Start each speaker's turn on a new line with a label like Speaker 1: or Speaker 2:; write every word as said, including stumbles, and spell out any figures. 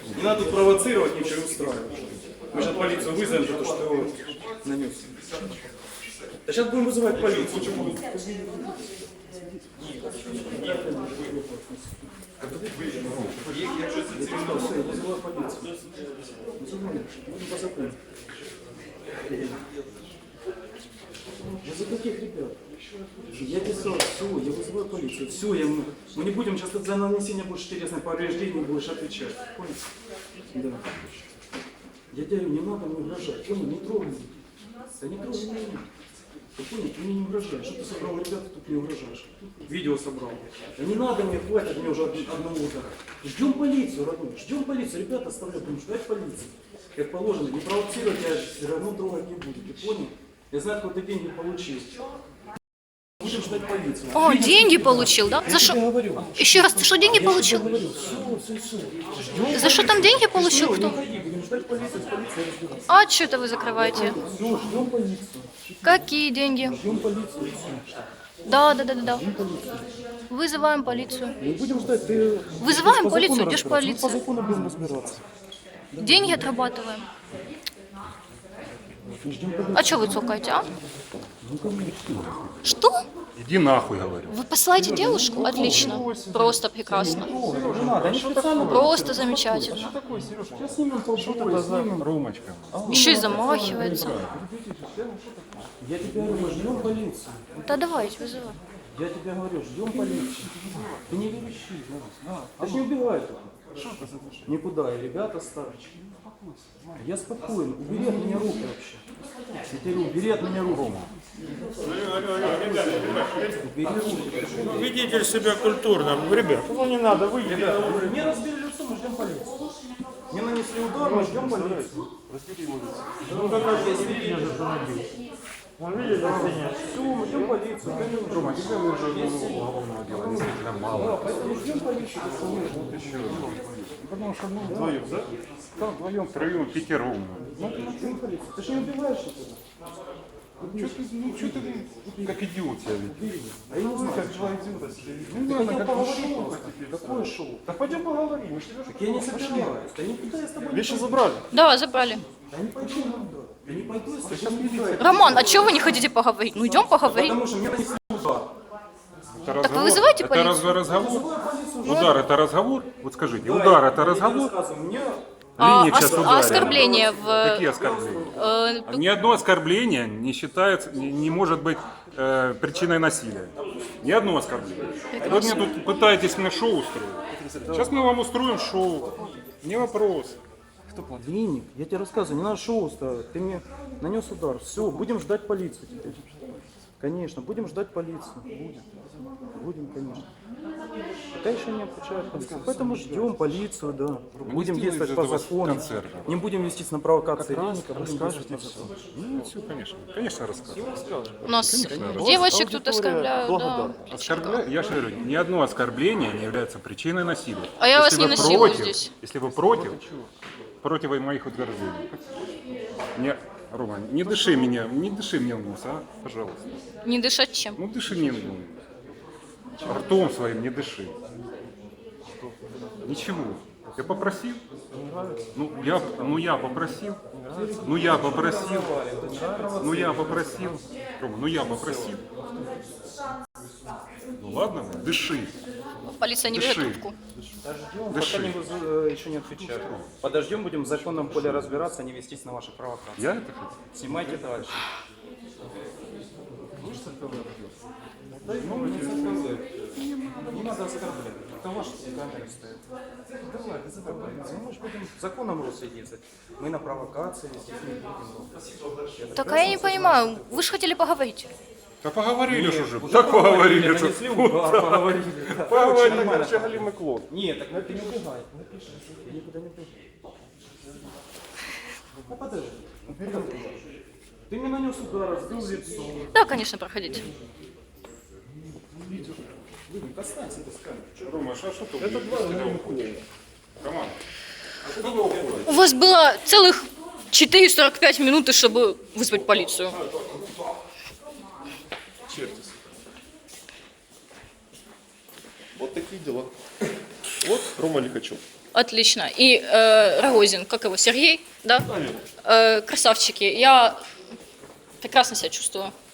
Speaker 1: Не надо тут провоцировать, ничего устраивать. Мы сейчас полицию вызовем за то, что его нанес. Да сейчас будем вызывать полицию. За каких ребят? Я писал, все, я вызываю полицию. Все, я, мы, мы не будем сейчас за нанесение больше телесных повреждений будешь отвечать. Понял? Да. Я говорю, не надо мне угрожать. Понял, не трогай меня. Да не трогай меня. Ты понял, ты мне не угрожаешь. Что ты собрал ребята, тут не угрожаешь. Видео собрал. Да не надо мне, хватит мне уже одного удара. Ждем полицию, родной. Ждем полицию. Ребята оставляют, будем ждать полицию. Как положено, не провоцировать, я все равно трогать не буду. Ты понял? Я знаю, откуда ты деньги получил. Будем ждать полицию.
Speaker 2: О, деньги получил, да? За что? Еще раз, ты что, деньги получил?
Speaker 1: Все, все, все.
Speaker 2: За что там деньги получил? Кто?
Speaker 1: Будем ждать полицию, с полицией разбираться.
Speaker 2: А что это вы закрываете?
Speaker 1: Все, ждем полицию.
Speaker 2: Какие деньги?
Speaker 1: Ждем полицию.
Speaker 2: Да, да, да, да, да. Вызываем полицию.
Speaker 1: Не будем ждать, ты...
Speaker 2: Вызываем
Speaker 1: по
Speaker 2: полицию,
Speaker 1: закону
Speaker 2: где ж
Speaker 1: разбираться. Мы по
Speaker 2: полиция?
Speaker 1: закону будем разбираться.
Speaker 2: Деньги отрабатываем.
Speaker 1: Ждем полицию.
Speaker 2: А что вы цокаете, а?
Speaker 1: Ну, конечно.
Speaker 2: Что?
Speaker 3: Иди нахуй, говорю.
Speaker 2: Вы посылаете девушку? Отлично. Просто прекрасно.
Speaker 1: Не надо, они специально...
Speaker 2: Просто замечательно.
Speaker 1: Что такое, Сереж? Сейчас снимем побои, снимем.
Speaker 3: Ромочка.
Speaker 2: Еще и замахивается.
Speaker 1: Я тебе говорю, ждем полицию.
Speaker 2: Да давайте, вызывай.
Speaker 1: Я тебе говорю, ждем полицию. Ты не верещи, да. Ты ж не убивай тут. Никуда, и ребята старчи. Я спокоен. Убери от меня руки вообще. Я тебе говорю, убери от меня руки. Убери руки.
Speaker 4: Ведите себя культурно, ребят. Ну не надо, выйдите.
Speaker 1: Ребята, мне разбили лицо, мы ждем полицию. Мне нанесли удар, мы ждем полицию.
Speaker 4: Ну какая же видите, что набил. Он видит, да, нет.
Speaker 1: Все, мы ждем полицию.
Speaker 3: Рома, тебя уже уголовного дела действительно мало.
Speaker 1: Поэтому ждем полицию.
Speaker 3: Потому что, ну, вдвоем, да? Да, вдвоем, втроем, пятером.
Speaker 1: Ну, ждем полицию. Ты же не убиваешь это?
Speaker 3: Что ты, ну, что ты, как идиот себя ведешь?
Speaker 1: А я не знаю.
Speaker 3: Как два идиота себя
Speaker 1: Ну,
Speaker 3: ведешь.
Speaker 1: ладно,
Speaker 3: как
Speaker 1: поговорим.
Speaker 3: шоу.
Speaker 1: Какое шоу?
Speaker 3: Так пойдем поговорим, мы ж тебя
Speaker 1: Так я не собираюсь. Да никуда я с тобой не
Speaker 4: Вещи забрали.
Speaker 2: Да, забрали.
Speaker 1: Да не пойду никуда. Я не пойду, если сейчас милиция.
Speaker 2: Роман, а чего вы не хотите поговорить? Ну идем поговорим.
Speaker 1: Потому что мне нанесли удар.
Speaker 3: Это
Speaker 2: вы
Speaker 3: разговор?
Speaker 2: вызывайте
Speaker 3: Это
Speaker 2: полицию?
Speaker 3: разве разговор?
Speaker 1: Вызываю полицию.
Speaker 3: Удар это разговор? Вот скажите,
Speaker 1: Да,
Speaker 3: удар
Speaker 1: я-
Speaker 3: это
Speaker 1: я
Speaker 3: разговор?
Speaker 1: рассказываю, мне
Speaker 2: А,
Speaker 3: Линия сейчас
Speaker 2: ос- а
Speaker 3: ударила.
Speaker 2: оскорбление в...
Speaker 3: Какие оскорбления?
Speaker 2: э,
Speaker 3: Ни одно оскорбление не считается, не, не может быть э, причиной насилия. Ни одно оскорбление. Вы мне тут пытаетесь мне шоу устроить. Сейчас мы вам устроим шоу. Не вопрос.
Speaker 1: Виник, я тебе рассказываю, не надо шоу ставить. Ты мне нанес удар. Все, будем ждать полицию теперь. Конечно, будем ждать полицию. Будем. Будем, конечно. Пока еще не обучают полицию. Поэтому ждем полицию, да. Будем
Speaker 3: сделаете
Speaker 1: действовать
Speaker 3: из
Speaker 1: по
Speaker 3: этого
Speaker 1: закону.
Speaker 3: концерт.
Speaker 1: Не будем вестись на провокации рынка, будем действовать по закону.
Speaker 3: Ну, все, конечно. Конечно, расскажу.
Speaker 2: У нас девочек тут оскорбляют, да.
Speaker 3: Оскорбля... Я же говорю, ни одно оскорбление не является причиной насилия.
Speaker 2: А я вас
Speaker 3: Если
Speaker 2: не
Speaker 3: вы
Speaker 2: насилую
Speaker 3: против,
Speaker 2: здесь.
Speaker 3: Если вы против, против моих утверждений. Не, Рома, не дыши меня, не дыши мне в нос, а, пожалуйста.
Speaker 2: Не дышать чем?
Speaker 3: Ну дыши мне в нос. Ртом своим не дыши. Ничего. Я попросил? Ну я, ну я попросил. Ну я попросил. Ну я попросил. Рома, ну я попросил. Ну ладно, дыши.
Speaker 2: Полиция не берет
Speaker 3: Дыши.
Speaker 2: трубку.
Speaker 1: Подождем,
Speaker 3: Дыши.
Speaker 1: пока не выз- э, еще не отвечают. Подождем, будем в законном поле разбираться, а не вестись на ваши провокации.
Speaker 3: Я это хотел?
Speaker 1: Снимайте дальше. Ну, не оскорбляй. Не надо оскорблять. Это ваши камеры стоят. Давай, без оскорбления. Мы же будем законом руководиться. Мы на провокации вестись не будем.
Speaker 2: Так а я не понимаю, вы же хотели поговорить.
Speaker 3: Да поговорили же уже.
Speaker 1: Уже
Speaker 3: Так поговорили.
Speaker 1: Нанесли удар, поговорили. Да.
Speaker 3: Поговорили,
Speaker 1: Нормально.
Speaker 3: вообще голимый клон.
Speaker 1: Нет, так ты не убегай. Ты никуда не убегай. Ну подожди. Ты мне нанес удар, разбил лицо.
Speaker 2: Да, конечно, проходите.
Speaker 1: Вадик, останься ты с камерой.
Speaker 3: Рома, а что ты? Это два голимых Команда.
Speaker 2: У вас было целых четыре сорок пять минут, чтобы вызвать полицию.
Speaker 4: Чертись. Вот такие дела. Вот Рома Лихачев.
Speaker 2: Отлично. И э, Рогозин, как его, Сергей, да? Э, красавчики. Я прекрасно себя чувствую.